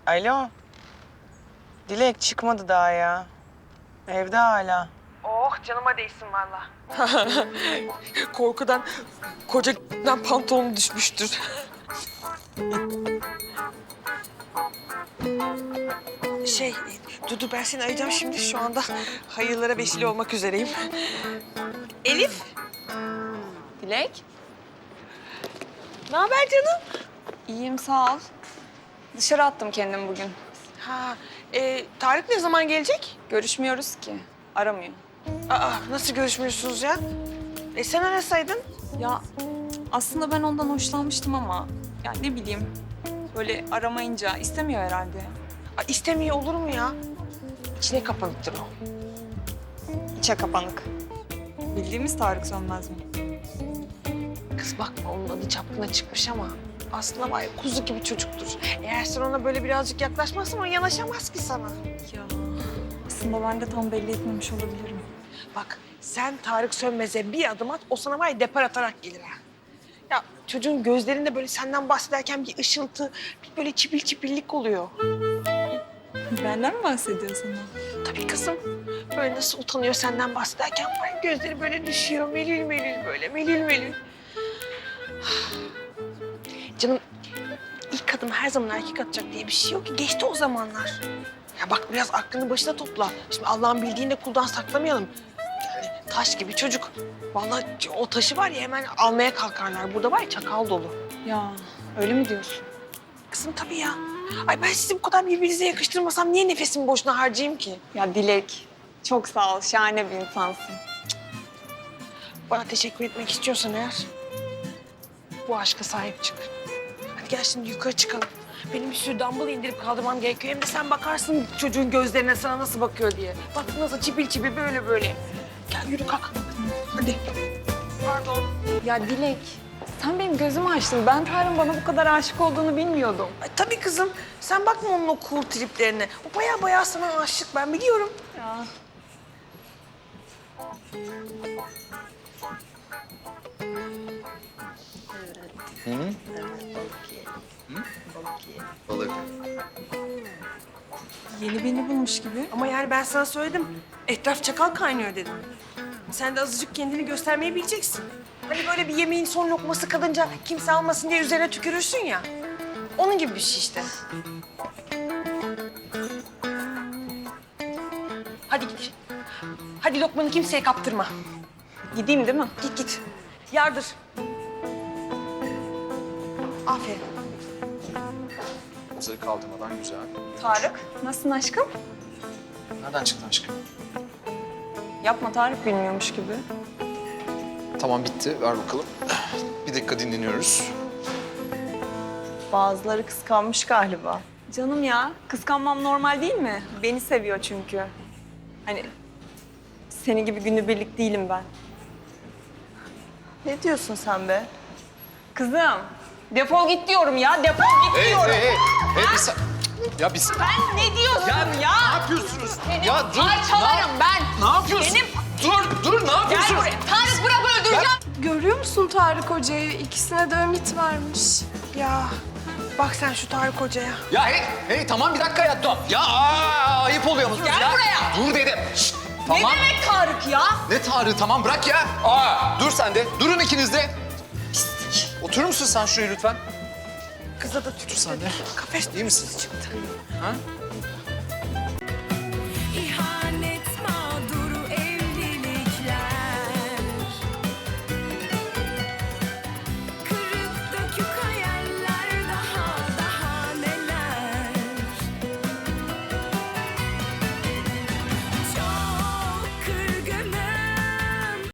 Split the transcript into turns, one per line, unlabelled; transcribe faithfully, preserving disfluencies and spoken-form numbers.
Alo. Dilek çıkmadı daha ya. Evde hala. Oh canıma değsin valla. Korkudan kocadan pantolonu düşmüştür. Şey, Dudu ben seni arayacağım şimdi. Şu anda hayırlara vesile olmak üzereyim. Elif.
Dilek.
Ne haber canım?
İyiyim sağ ol. Dışarı attım kendimi bugün.
Ha, e, Tarık ne zaman gelecek?
Görüşmüyoruz ki. Aramıyor.
Aa, nasıl görüşmüyorsunuz ya? E sen arasaydın.
Ya aslında ben ondan hoşlanmıştım ama ya ne bileyim böyle aramayınca istemiyor herhalde.
Aa, istemiyor olur mu ya? İçine kapanıktır o.
İçe kapanık. Bildiğimiz Tarık Sönmez mi?
Kız bakma onun adı çapkına çıkmış ama aslında var ya kuzu gibi çocuktur. Eğer sen ona böyle birazcık yaklaşmazsan o yanaşamaz ki sana.
Ya aslında ben de tam belli etmemiş olabilirim.
Bak sen Tarık Sönmez'e bir adım at o sana var ya depar atarak gelir ha. Ya çocuğun gözlerinde böyle senden bahsederken bir ışıltı, bir böyle çipil çipillik oluyor.
Benden mi bahsediyorsun?
Tabii kızım. Böyle nasıl utanıyor senden bahsederken var ya, gözleri böyle düşüyor. Melül melül böyle, melül melül. Canım ilk adım her zaman erkek atacak diye bir şey yok ki. Geçti o zamanlar. Ya bak biraz aklını başına topla. Şimdi Allah'ın bildiğini de kuldan saklamayalım. Yani taş gibi çocuk. Vallahi o taşı var ya hemen almaya kalkarlar. Burada var ya çakal dolu.
Ya öyle mi diyorsun?
Kızım tabii ya. Ay ben sizi bu kadar birbirinize yakıştırmasam niye nefesimi boşuna harcayayım ki?
Ya Dilek çok sağ ol. Şahane bir insansın.
Bana teşekkür etmek istiyorsan eğer bu aşka sahip çık. Hadi gel şimdi yukarı çıkalım. Benim bir sürü dumbbell indirip kaldırmam gerekiyor. Hem de sen bakarsın çocuğun gözlerine sana nasıl bakıyor diye. Bak nasıl çipil çipil böyle böyle. Gel yürü kalk. Hadi. Pardon.
Ya Dilek sen benim gözümü açtın. Ben Tarık'ın bana bu kadar aşık olduğunu bilmiyordum.
Ay, tabii kızım. Sen bakma onun o cool triplerine. O baya baya sana aşık ben biliyorum.
Ya.
Balık.
Yeni birini bulmuş gibi.
Ama yani ben sana söyledim. Etraf çakal kaynıyor dedim. Sen de azıcık kendini göstermeyi bileceksin. Hani böyle bir yemeğin son lokması kalınca kimse almasın diye üzerine tükürürsün ya. Onun gibi bir şey işte. Hadi git. Hadi lokmanı kimseye kaptırma.
Gideyim değil mi?
Git git. Yardır. Aferin.
Hazır kaldırmadan güzel.
Tarık, nasılsın aşkım?
Nereden çıktın aşkım?
Yapma Tarık bilmiyormuş gibi.
Tamam bitti. Ver bakalım. Bir dakika dinleniyoruz.
Bazıları kıskanmış galiba. Canım ya, kıskanmam normal değil mi? Beni seviyor çünkü. Hani seni gibi günübirlik değilim ben.
Ne diyorsun sen be?
Kızım, defol git diyorum ya, defol git
Hey,
diyorum.
hey, hey. Hey, bir sa- Ya biz...
Ben ne diyorsun ya?
Ne yapıyorsunuz?
Seni
Ya dur.
parçalarım ben.
Ne yapıyorsun?
Benim...
Dur, dur. Ne
Gel
yapıyorsunuz?
buraya. Tarık bırak öldüreceğim.
Görüyor musun Tarık Hoca'yı? İkisine de ümit varmış.
Ya bak sen şu Tarık Hoca'ya.
Ya hey, hey tamam bir dakika ya. Dur. Ya aa, ayıp oluyor musunuz
Gel
ya?
buraya.
Dur dedim. Şşt, tamam.
Ne demek Tarık ya?
Ne Tarık tamam bırak ya. Aa, dur sen de. Durun ikiniz de. Pislik. Oturur musun sen şuraya lütfen?
Kıza da tükür
sen de.
Kafes
İyi misin?
çıktı.
Ha?